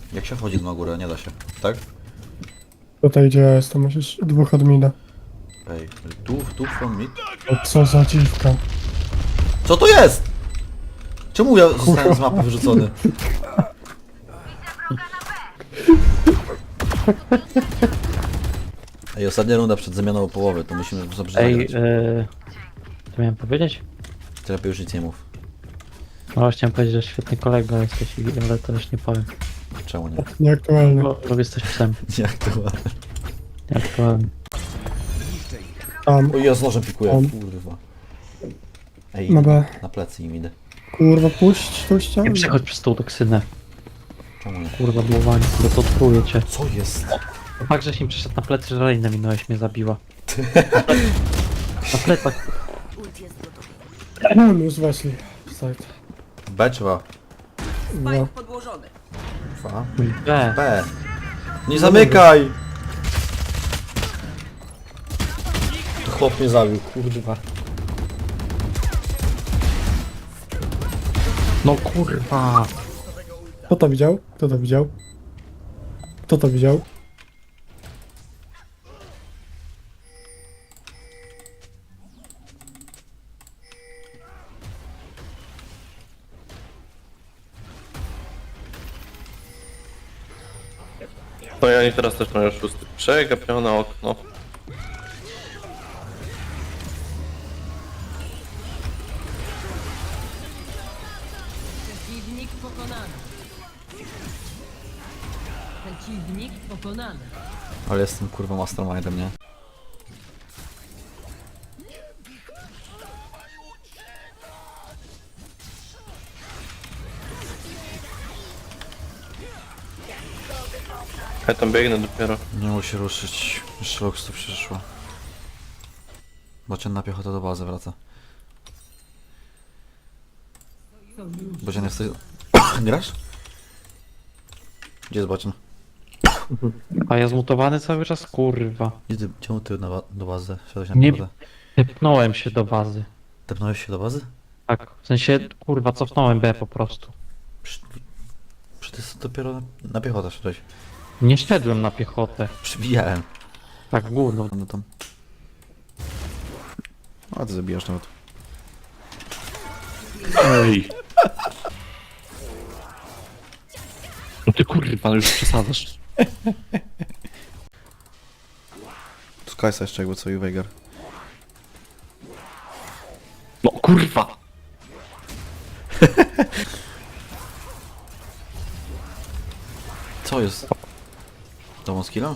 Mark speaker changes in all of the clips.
Speaker 1: Jak się wchodzi na górę? Nie da się, tak?
Speaker 2: Tutaj gdzie ja jestem, musisz dwóch od mida.
Speaker 1: Ej, tu from mid?
Speaker 2: O, co za dziwka.
Speaker 1: Co to jest? Czemu ja zostałem z mapy wyrzucony? Ej, ostatnia runda przed zamianą połowy, to musimy dobrze
Speaker 3: Ej,
Speaker 1: zagrać.
Speaker 3: co miałem powiedzieć?
Speaker 1: Ty lepiej już nic nie mów.
Speaker 3: No, chciałem powiedzieć, że świetny kolega jesteś, ale to już nie powiem.
Speaker 1: Czemu nie?
Speaker 2: Nieaktualny.
Speaker 3: Bo jesteś psem.
Speaker 1: Jak to ładne.
Speaker 3: Nieaktualny.
Speaker 2: Tam.
Speaker 1: Oj, ja z nożem pikuję,
Speaker 2: On.
Speaker 1: kurwa. Ej,
Speaker 2: Na B.
Speaker 1: na plecy im idę.
Speaker 2: Kurwa, puść tą ścianę.
Speaker 3: Nie przechodź przez tą toksynę.
Speaker 1: Czemu nie?
Speaker 3: Kurwa, bułowanie, bo to truje cię.
Speaker 1: Co jest?
Speaker 3: Fakt, żeś mi przyszedł na plecy, że Reina minąłeś, mnie zabiła. Na plecach.
Speaker 2: Już weszli. Side.
Speaker 1: B trzeba.
Speaker 2: No.
Speaker 4: Spike podłożony.
Speaker 1: Dwa.
Speaker 3: B.
Speaker 1: B. Nie zamykaj! To chłop mnie zabił, kurwa.
Speaker 3: No kurwa.
Speaker 2: Kto to widział? Kto to widział? Kto to widział?
Speaker 5: No i oni teraz też mają szósty. Przegapione okno.
Speaker 4: Przeciwnik pokonany. Przeciwnik pokonany.
Speaker 1: Ale jestem kurwa mastermindem, nie?
Speaker 5: Ja tam biegnę dopiero.
Speaker 1: Nie mogę się ruszyć. Jeszcze Lux tu przyszło. Bocian na piechotę do bazy wraca. Bocian jesteś... Grasz? Gdzie jest Bocian?
Speaker 3: A ja zmutowany cały czas, kurwa.
Speaker 1: Czemu ty do bazy? Wszedłeś na
Speaker 3: Nie-
Speaker 1: piechotę?
Speaker 3: Tepnąłem się do bazy.
Speaker 1: Tepnąłeś się do bazy?
Speaker 3: Tak, w sensie, kurwa, cofnąłem B po prostu.
Speaker 1: Przecież ty dopiero na piechotę szedłeś.
Speaker 3: Nie szedłem na piechotę.
Speaker 1: Przybijałem.
Speaker 3: Tak, gówno.
Speaker 1: No tam. A ty zabijasz nawet.
Speaker 5: Ej! No ty kurwa, już przesadzasz.
Speaker 1: Tu Kajsa jeszcze jakby co i Veigar.
Speaker 5: No kurwa!
Speaker 1: Co jest? Domą skilla?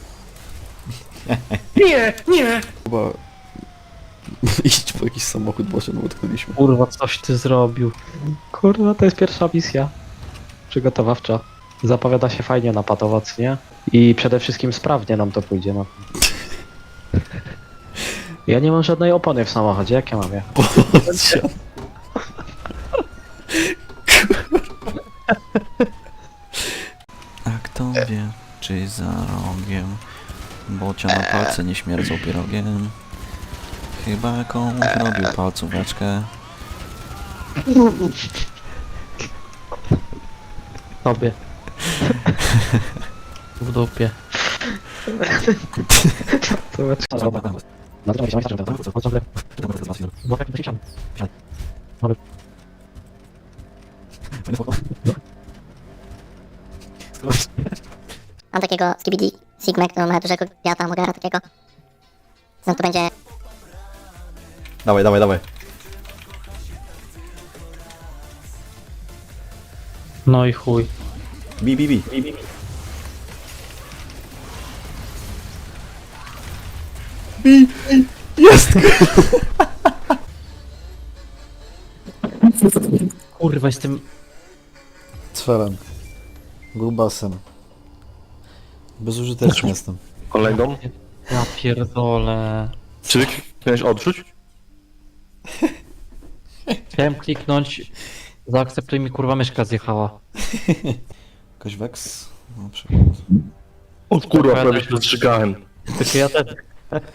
Speaker 5: Nie! Nie!
Speaker 1: Chyba... Iść po jakiś samochód, bo się utknęliśmy.
Speaker 3: Kurwa, coś ty zrobił. Kurwa, to jest pierwsza misja. Przygotowawcza. Zapowiada się fajnie na patowac, nie? I przede wszystkim sprawnie nam to pójdzie, no. Ja nie mam żadnej opony w samochodzie, jak ja mam je?
Speaker 1: A kto wie, czy za rogiem Bocia na palce nie śmierdzą pierogiem. Chyba komuś robił palcóweczkę.
Speaker 3: Tobie. W dupie.
Speaker 6: Mam takiego Skibidi Sigmę, który ma dużego wiata, Mogara takiego. No to będzie
Speaker 1: Dawaj, dawaj, dawaj.
Speaker 3: No i chuj.
Speaker 1: Bi. Jest!
Speaker 3: Kurwa, jestem...
Speaker 1: Cfelem. Grubasem. Bezużyteczny jestem.
Speaker 5: Kolegą?
Speaker 3: Ja pierdolę.
Speaker 5: Czy ty miałeś odrzuć?
Speaker 3: Chciałem kliknąć... Zaakceptuj mi, kurwa, myszka zjechała.
Speaker 1: Jakoś Vex? No przykład.
Speaker 5: O kurwa, prawie się rozstrzygałem.
Speaker 3: Tylko ja też